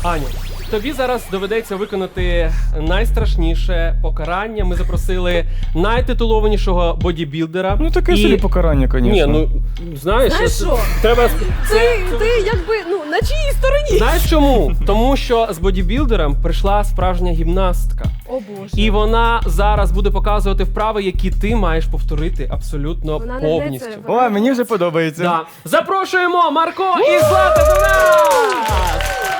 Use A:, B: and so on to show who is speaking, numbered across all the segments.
A: Аню, тобі зараз доведеться виконати найстрашніше покарання. Ми запросили найтитулованішого бодібілдера.
B: Ну таке собі покарання, звісно.
A: Ні, ну, знаєш,
C: що?
A: треба...
C: Ти якби, на чиїй стороні?
A: Знаєш чому? Тому що з бодібілдером прийшла справжня гімнастка.
C: О боже.
A: І вона зараз буде показувати вправи, які ти маєш повторити абсолютно
C: Вона не
A: повністю.
C: гнеться.
B: О, мені вже подобається.
A: Да. Запрошуємо Марко і Злата до нас!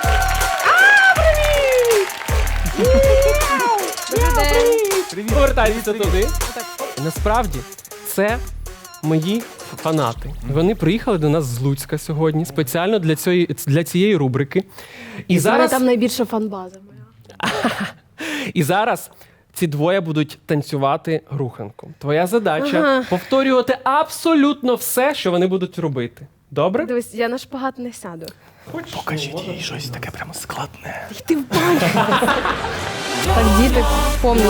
B: Привіт.
A: Повертайтеся туди. Насправді, це мої фанати. Вони приїхали до нас з Луцька сьогодні спеціально для цієї рубрики. І зараз,
C: Там найбільша фанбаза моя.
A: і зараз ці двоє будуть танцювати руханку. Твоя задача повторювати абсолютно все, що вони будуть робити. Добре?
C: Дивись, я на шпагат не сяду.
B: Покажіть їй щось таке прямо складне.
C: Ти в баню. Так, діти, помніть.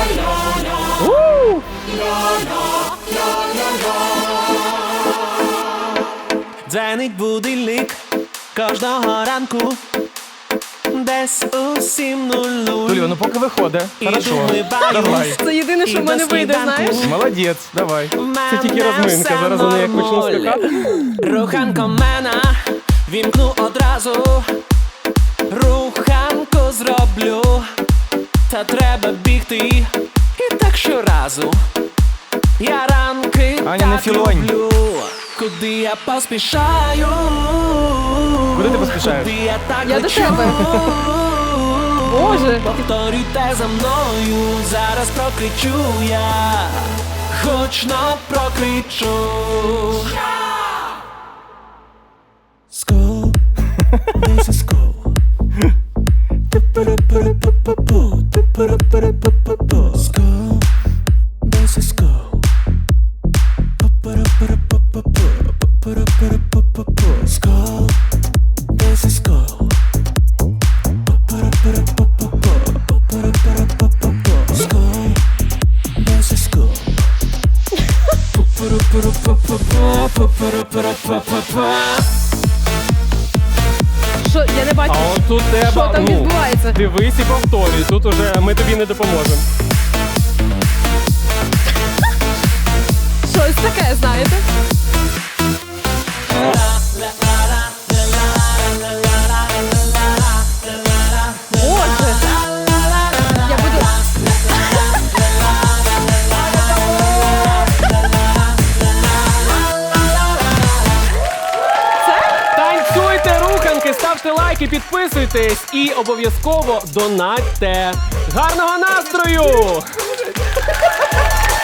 D: Дзвенить будильник кожного ранку, десь у 7:00.
B: Тулю, ну поки виходить.
D: І
B: Хорошо.
D: думаю,
B: Давай.
C: Це єдине, що в мене вийде, знаєш?
B: Молодець, давай.
A: Це тільки розминка. Зараз вони як почнуть скакати.
D: Руханко мене вімкну одразу, руханку зроблю, та треба бігти і так щоразу. Я ранки
B: Аня, не
D: так
B: філонь.
D: люблю, куди я поспішаю.
B: Куди ти поспішаєш?
D: Куди я так
C: Я до
D: лечу.
C: тебе. Боже.
D: Повторюйте за мною, зараз прокричу я, гучно прокричу. School, this is school. School, this is school. School, this is school. School, this is school.
C: Що, я не бачу,
A: А от тут треба,
C: що там відбувається.
A: дивись і повторюй. Тут уже ми тобі не допоможемо.
C: Щось таке, знаєте? Боже. Я буду...
A: Танцюйте руханки, ставте лайки, підписуйтесь і обов'язково донатьте. Гарного настрою!